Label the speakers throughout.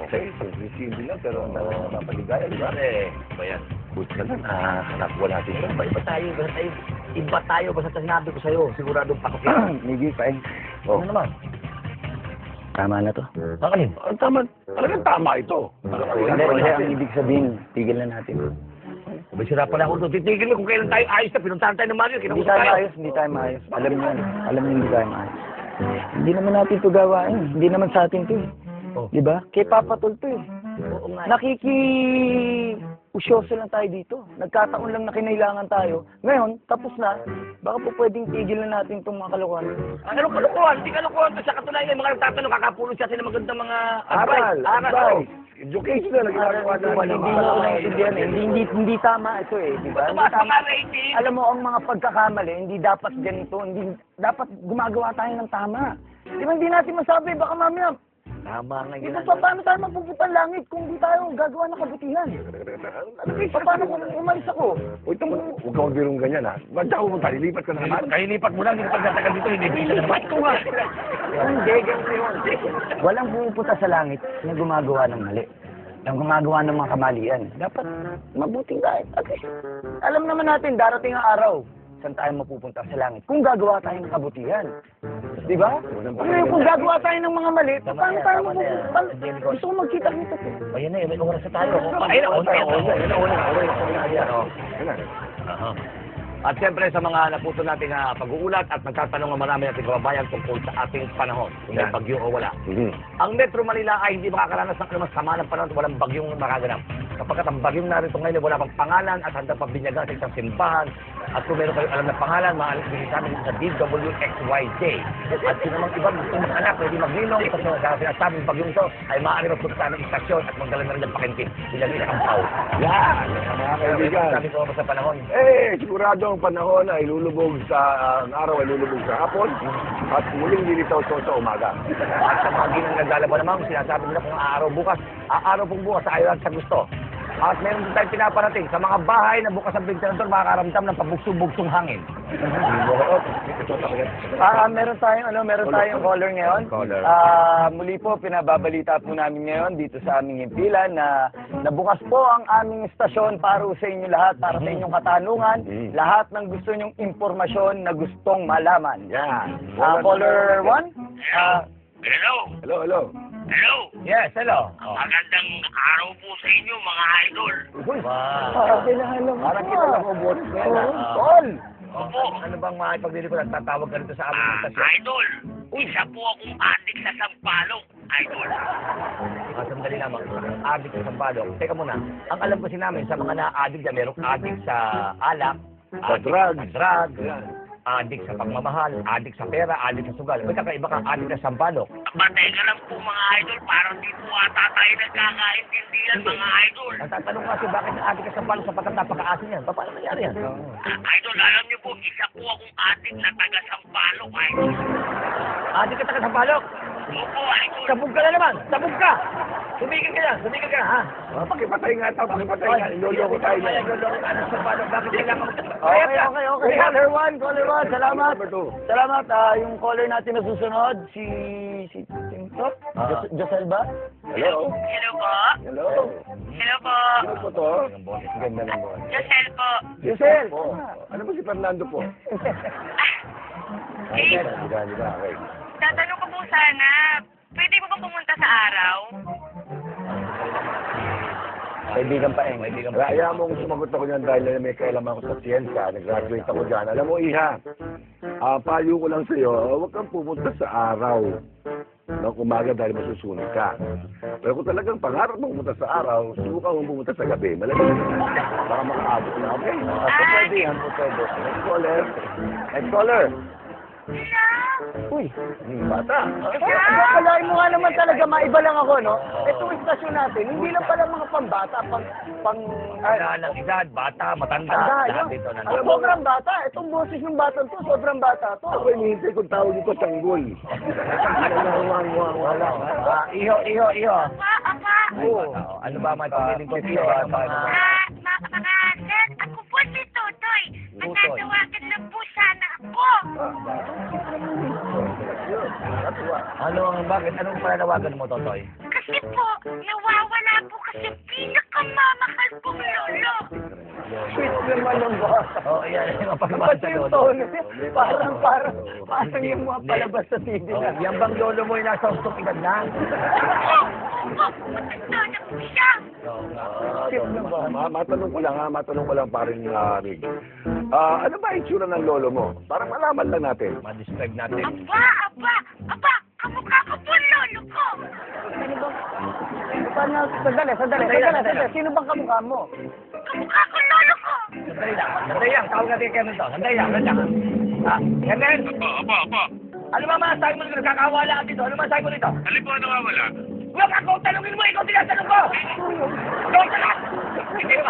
Speaker 1: Okay, simple lang, pero napapaligaya, di ba?
Speaker 2: Bayan.
Speaker 1: Buti ka lang, nakuha natin ito.
Speaker 2: Iba tayo, basta sinabi ko sa'yo, siguradong pakot yan.
Speaker 3: Miggy, fine.
Speaker 1: Oh.
Speaker 2: Ano naman?
Speaker 3: Tama na to.
Speaker 2: Kakanin?
Speaker 1: Talagang tama ito.
Speaker 3: Hindi, ang ibig sabihin, tigil na natin.
Speaker 2: May sira pala ako doon. Titigil mo kung kailan tayo ayos na pinuntahan tayo ng Mario.
Speaker 3: Hindi tayo maayos, hindi tayo maayos. Alam niyo yan. Alam niyo hindi tayo maayos. Hindi naman natin to gawain. Hindi naman sa atin to eh.
Speaker 2: Oh.
Speaker 3: Di ba? Kay Papa Tol to eh.
Speaker 2: Oo nga.
Speaker 3: Usyoso lang tayo dito. Nagkataon lang na kinailangan tayo. Ngayon, tapos na. Baka po pwedeng tigil na natin itong mga kalokohan.
Speaker 2: Ano kalukuhan? Hindi kalukuhan. Sa katunayan, yung mga nagtatanong, kakapulot siya sila magandang mga
Speaker 1: advice. Education na lang ginagawa natin.
Speaker 3: Hindi mo naintindihan eh. Hindi tama ito eh. Di ba? Hindi
Speaker 2: Tumaas
Speaker 3: tama.
Speaker 2: mga rating.
Speaker 3: Alam mo, ang mga pagkakamali, hindi dapat ganito. Hindi dapat gumagawa tayo ng tama. Di ba hindi natin masabi? Baka mamaya,
Speaker 2: Tama nga
Speaker 3: ito
Speaker 2: yun.
Speaker 3: pa, paano tayo mapupunta langit kung hindi tayo gagawa ng kabutihan? Paano kung umalis ako?
Speaker 1: Huwag kang magbirong ganyan, ha? Ba't ako pumunta? Lilipat ka na naman?
Speaker 2: Kaya lipat mo lang, hindi pagkatagal dito, hindi bisa na naman. Ito nga.
Speaker 3: Hindi, ganito yun. Walang pumupunta sa langit na gumagawa ng mali. Ang gumagawa ng mga kamalian. Dapat mabuting tayo. Okay. Alam naman natin, darating ang araw, saan tayo mapupunta sa langit? Kung gagawa tayo ng kabutihan. Di ba? Kung gagawa tayo ng mga mali, paano tayo mapupunta? Gusto ko magkita-kita po.
Speaker 2: Ayan na, may oras na tayo. Ayun na, una. At siyempre sa mga naputo nating pag-uulat at nagtatanong ng marami nating kababayan tungkol sa ating panahon, kung may bagyo o wala. Ang Metro Manila ay hindi makakaranas ng anumang sama ng panahon at walang bagyong makaganap. Kapag ang bagyong narito ngayon wala pang pangalan at handa pa binyagan sa isang simbahan, at kung meron kayo alam na pangalan, maalis sa amin sa DWXYJ. At kung namang ibang gusto mag-anak, pwede magninong sa sinasabing bagyong ito ay maaari magpunta ng istasyon at magdala na rin ng pakintin. Sila rin ang tao.
Speaker 1: Yan! Mga kaibigan.
Speaker 2: Sabi ko sa panahon.
Speaker 1: Sigurado ang panahon ay lulubog ang araw ay lulubog sa hapon at muling lilitaw sa umaga.
Speaker 2: At sa mga ginang naglalaban naman, sinasabi nila kung aaraw pong bukas ayaw sa gusto. At meron din tayong pinaparating sa mga bahay na bukas ang ventilador, makakaramdam ng pabugsong-bugsong hangin.
Speaker 3: Meron tayong caller ngayon. Muli po, pinababalita po namin ngayon dito sa aming himpilan na nabukas po ang aming istasyon para sa inyo lahat, para sa inyong katanungan, lahat ng gusto nyong impormasyon na gustong malaman.
Speaker 1: Yan.
Speaker 3: Caller 1?
Speaker 1: Hello.
Speaker 2: Yes, hello.
Speaker 4: Magandang araw po sa inyo, mga idol.
Speaker 1: Parang kita lang ang boses mo.
Speaker 3: Tol!
Speaker 4: Opo,
Speaker 2: Ano bang makipagbili ko? Tatawag ka rito sa aming istasyon.
Speaker 4: idol. Isa po akong adik sa Sampalok, idol.
Speaker 2: Sandali lamang. Adik sa Sampalok. Teka muna. Ang alam kasi namin, sa mga na-adik dyan, merong adik sa alak,
Speaker 1: Sa drugs.
Speaker 2: adik sa pagmamahal, adik sa pera, adik sa sugal. May kakaiba kang adik sa Sampalok.
Speaker 4: Patay ka lang po, mga idol. Parang di po ata tayo nagkakaintindihan, mga idol.
Speaker 2: Nagtatanong kasi bakit na-adik ka sa Sampalok sapagkat napaka-asin yan. Paano nangyari yan?
Speaker 4: Idol, alam niyo po, isa po akong adik na taga Sampalok, idol.
Speaker 2: Adik ka taga Sampalok?
Speaker 4: Opo, idol.
Speaker 2: Sabog ka na naman! Sabog ka! Sumigil ka na, ha?
Speaker 1: Pakipatay nga ito, pakipatay nga. Iloloko tayo
Speaker 2: Ay,
Speaker 1: yan.
Speaker 2: lolo ka na sa Sampalok. Bakit kailangan mo?
Speaker 3: Okay. Caller 1. Salamat.
Speaker 1: Number 2.
Speaker 3: Salamat. Yung caller natin na susunod, si Top? Josel ba?
Speaker 1: Hello.
Speaker 4: Hello po.
Speaker 1: Hello.
Speaker 4: Hello po.
Speaker 1: Sino po to?
Speaker 3: Ang ganda ng boses.
Speaker 4: Josel po.
Speaker 3: Josel!
Speaker 1: Po. Ano ba si Fernando po?
Speaker 4: Eh,
Speaker 1: Okay.
Speaker 4: tatanong ko po sana, pwede mo ba pumunta sa araw?
Speaker 3: Kaibigan pa eh.
Speaker 1: Kaya mo kung sumagot ako niyan dahil may kailaman ako sa siyensya, nag-graduate ako dyan. Alam mo, Iha, payo ko lang sa'yo, huwag kang pumunta sa araw ng umaga dahil masusunog ka. Pero kung talagang pangarap mo pumunta sa araw, subukan mo pumunta sa gabi. Malamig na. Baka makaabot na, okay?
Speaker 3: Pwede yan, pwede.
Speaker 1: Next caller.
Speaker 3: Next caller.
Speaker 4: Hello?
Speaker 3: Uy,
Speaker 1: Bata.
Speaker 3: Akalain mo nga naman talaga, maiba lang ako, no? Itong istasyon natin, hindi lang pala mga pambata,
Speaker 2: Wala ng edad, bata, matanda.
Speaker 3: Tanda,
Speaker 2: Lahat
Speaker 3: yun.
Speaker 2: dito
Speaker 3: Alam
Speaker 2: nandito.
Speaker 3: mo, sobrang bata. Itong boses ng batang to, sobrang bata to.
Speaker 1: Ako hinihintay kung tawag dito sanggol. Wala.
Speaker 2: Iho.
Speaker 4: Apa?
Speaker 2: Oo. Ano ba may pagpiling ko dito?
Speaker 4: Mga sir, ako po si Totoy. Matatawagan lang po sana ako.
Speaker 2: Ano ang bakit? Anong pananawagan mo, Totoy?
Speaker 4: Kasi Kasi po, nawawala po kasi pinakamamahal kong lolo.
Speaker 3: Sweet naman ang bata.
Speaker 2: Oo, yan. Mapagmahal
Speaker 3: Pati
Speaker 2: sa
Speaker 3: yung
Speaker 2: lolo.
Speaker 3: tono niya, parang yung mga palabas sa TV
Speaker 2: Oh,
Speaker 3: na.
Speaker 2: yan bang lolo mo yung nasa stupidad na?
Speaker 4: Matanda na po siya.
Speaker 3: Cute na ba?
Speaker 1: Matanong ko lang parin Rig. Ano ba itsura ng lolo mo? Parang malaman lang natin.
Speaker 2: Ma-describe natin.
Speaker 4: Aba, kamukha ko po ang lolo ko.
Speaker 3: Paano? Sandali. Sino bang kamukha mo?
Speaker 4: Kamukha ko ang lolo ko.
Speaker 2: Sandali lang. Tawag natin kay Kevin to. Sandali lang. Kevin!
Speaker 5: Apa.
Speaker 2: Ano ba masasabi mo dito? Nagkakawala ka dito. Ano masasabi mo dito?
Speaker 5: Alin po ang nawawala?
Speaker 2: Huwag ako tanungin mo! Ikaw tinatanong ko! Ikaw salat! Hindi ba?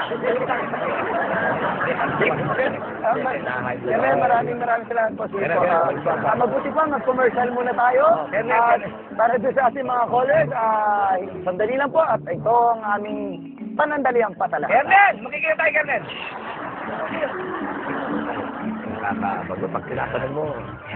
Speaker 3: Kaya maraming salamat po sa
Speaker 2: Kaya, kaya.
Speaker 3: mabuti pa, mag-commercial muna tayo.
Speaker 2: Kaya.
Speaker 3: Para doon sa ating mga callers, sandali lang po at ito ang aming panandaliang patala.
Speaker 2: Kevin! Makikita tayo, Kevin! Nakakabago pag tinatanong mo.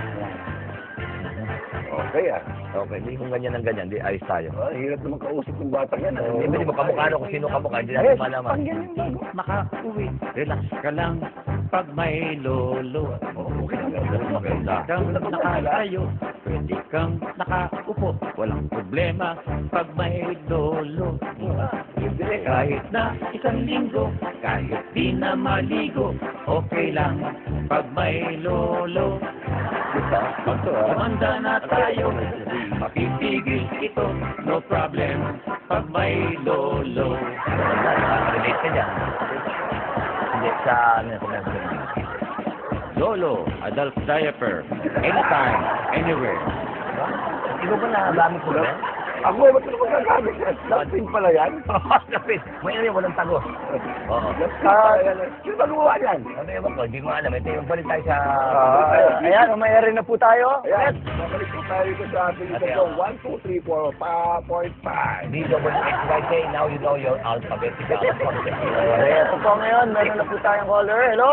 Speaker 1: Okay
Speaker 2: Okay, hindi kung ganyan ng ganyan, di ayos tayo.
Speaker 1: Hirap naman kausap ng bata yan.
Speaker 2: Hindi mo kamukha kung sino kamukha, hindi natin malaman.
Speaker 6: Makauwi, relax ka lang pag may lolo.
Speaker 2: Maganda.
Speaker 6: Kang nakatayo, pwede kang nakaupo. Walang problema pag may lolo. Kahit na isang linggo, kahit di na maligo, okay lang pag may lolo. Pag tumanda na tayo, mapipigil ito, no problem pag may lolo.
Speaker 2: Relate ka dyan. Hindi sa ano yung
Speaker 6: Lolo, adult diaper, anytime, anywhere.
Speaker 2: Hindi mo ba nagamit mo ba?
Speaker 1: Ako, ba't ko magagamit yan? Lapin pala yan?
Speaker 2: Lapit. May ano yung walang tagos. Oo.
Speaker 1: Lapin pala yan. Sino ba gumawa yan?
Speaker 2: Ano yung ko? Hindi ko alam. Ito yung balik tayo sa...
Speaker 3: Ayan, umayari na po tayo.
Speaker 1: Ayan, babalik po tayo dito sa ating ito. 1, 2, 3, 4, 5.5.
Speaker 2: D-double-X-Y-K, now you know your alphabetical.
Speaker 3: Ito po ngayon, meron na po tayong caller. Hello?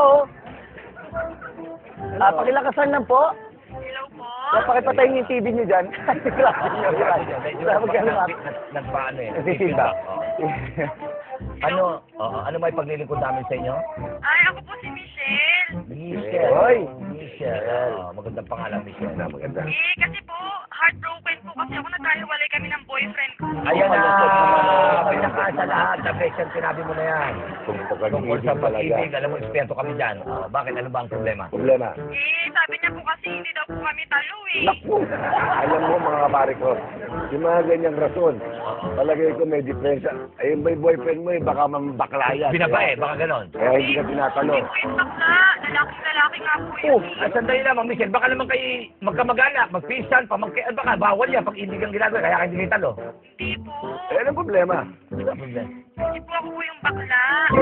Speaker 3: Pakilakasan lang po.
Speaker 4: Hello po.
Speaker 3: Pakipatayin yung TV niyo dyan.
Speaker 2: Nagpaano eh.
Speaker 3: Nagsisimba.
Speaker 2: Ano may paglilingkod namin sa inyo?
Speaker 4: Ay, ako po si Michelle.
Speaker 2: Michelle.
Speaker 3: Hoy.
Speaker 2: Michelle. Magandang pangalan, Michelle.
Speaker 1: Maganda.
Speaker 4: Kasi po, heartbroken po kasi ako nagkahiwalay kami ng boyfriend ko.
Speaker 2: Ayan na. Pinaka sa lahat. The best yung sinabi mo na yan.
Speaker 1: Tungkol
Speaker 2: Tungkol sa pag-ibig, alam mo, eksperto kami dyan. Bakit? Ano ba ang problema?
Speaker 1: Problema.
Speaker 4: Sabi niya po kasi hindi daw po kami talo eh.
Speaker 1: Naku! Alam mo mga kapare ko, yung mga ganyang rason, palagay ko may diferensya. Ayun ba yung boyfriend mo baka mambakla yan.
Speaker 2: Binabae, baka ganon.
Speaker 1: Kaya hindi ka tinatanong.
Speaker 4: Hindi po yung bakla. Lalaking-lalaki nga po yun.
Speaker 2: Sandali lamang, Michelle. Baka naman kayo magkamag-anak, magpinsan, baka bawal yan pag hindi kang ginagawa, kaya hindi kayo talo.
Speaker 4: Hindi po.
Speaker 1: Eh, anong problema?
Speaker 2: Ano ang problema?
Speaker 4: Hindi po ako po yung bakla.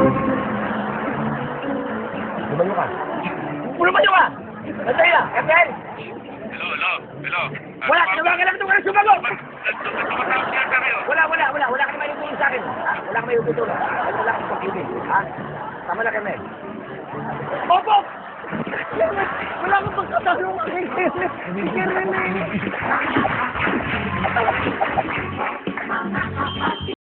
Speaker 2: Lumayo ka. Lumayo ka! Sandali lang, Captain!
Speaker 5: Hello.
Speaker 2: Wala, tinawagan lang ito ka ng sumagot!
Speaker 5: Tumatawag siya sa kayo.
Speaker 2: Wala ka naman yung sa akin. Ha? Wala ka naman yung tutulong. Wala ka pag-ibig. Ha? Tama na kami.
Speaker 3: Opo! Wala akong pagkatalong ang kay Kenneth.